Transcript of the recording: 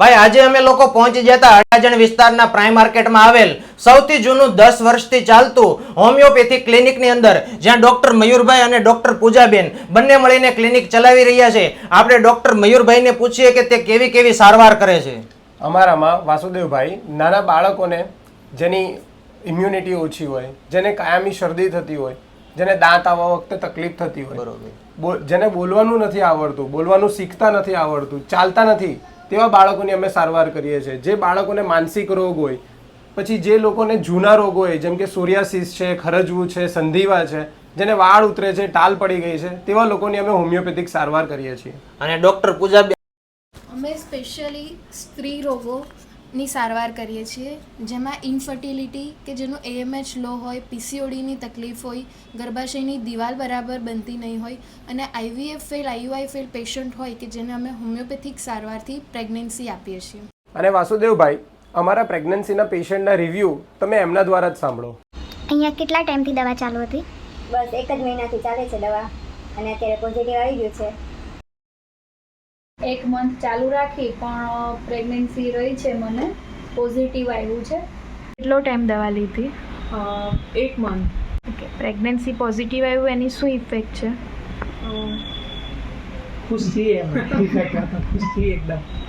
ભાઈ આજે અમે લોકો પહોંચી જતા અડાજણ વિસ્તારના પ્રાઇમ માર્કેટમાં આવેલ સૌથી જૂનું 10 વર્ષથી ચાલતું હોમિયોપેથિક ક્લિનિકની અંદર જ્યાં ડોક્ટર મયુરભાઈ અને ડોક્ટર પૂજાબેન બંને મળીને ક્લિનિક ચલાવી રહ્યા છે. આપણે ડોક્ટર મયુરભાઈને પૂછીએ કે તે કેવી કેવી સારવાર કરે છે. અમારામાં વાસુદેવભાઈ નાના બાળકોને જેની ઇમ્યુનિટી ઓછી હોય, જેને કાયમી શરદી થતી હોય, જેને દાંત આવવા વખતે તકલીફ થતી હોય, જેને બોલવાનું નથી આવડતું, બોલવાનું શીખતા નથી આવડતું, ચાલતા નથી, તેવા બાળકોની અમે સારવાર કરીએ છીએ. જે બાળકોને માનસિક રોગ હોય, પછી જે લોકોને જૂના રોગ હોય જેમ કે સોરિયાસિસ છે, ખરજવું છે, સંધિવા છે, જેને વાળ ઉતરે છે, ટાલ પડી ગઈ છે, તેવા લોકોની અમે હોમિયોપેથિક સારવાર કરીએ છીએ. અને ડોક્ટર પૂજાબેન અમે સ્પેશિયલી સ્ત્રી રોગોની સારવાર કરીએ છીએ, જેમાં ઇન્ફર્ટિલિટી કે જેનું AMH લો હોય, PCODની તકલીફ હોય, ગર્ભાશયની દિવાલ બરાબર બનતી નહીં હોય અને IVF fail, IUI fail patient હોય કે જેને અમે હોમિયોપેથિક સારવારથી પ્રેગ્નન્સી આપીએ છીએ. અને વાસુદેવભાઈ, અમારા પ્રેગ્નન્સીના પેશન્ટના રિવ્યૂ તમે એમના દ્વારા જ સાંભળો. અહીંયા કેટલા ટાઈમથી દવા ચાલુ હતી? બસ 1 જ મહિનાથી ચાલે છે દવા અને અત્યારે પોઝિટિવ આવી ગયું છે. 1 મંથ ચાલુ રાખી પણ પ્રેગ્નન્સી રહી છે, મને પોઝિટિવ આવ્યું છે. કેટલો ટાઈમ દવા લીધી? 1 મંથ. ઓકે, પ્રેગ્નન્સી પોઝિટિવ આવ્યું એની શું ઇફેક્ટ છે? ખુશ છીએ, ખુશ છીએ એકદમ.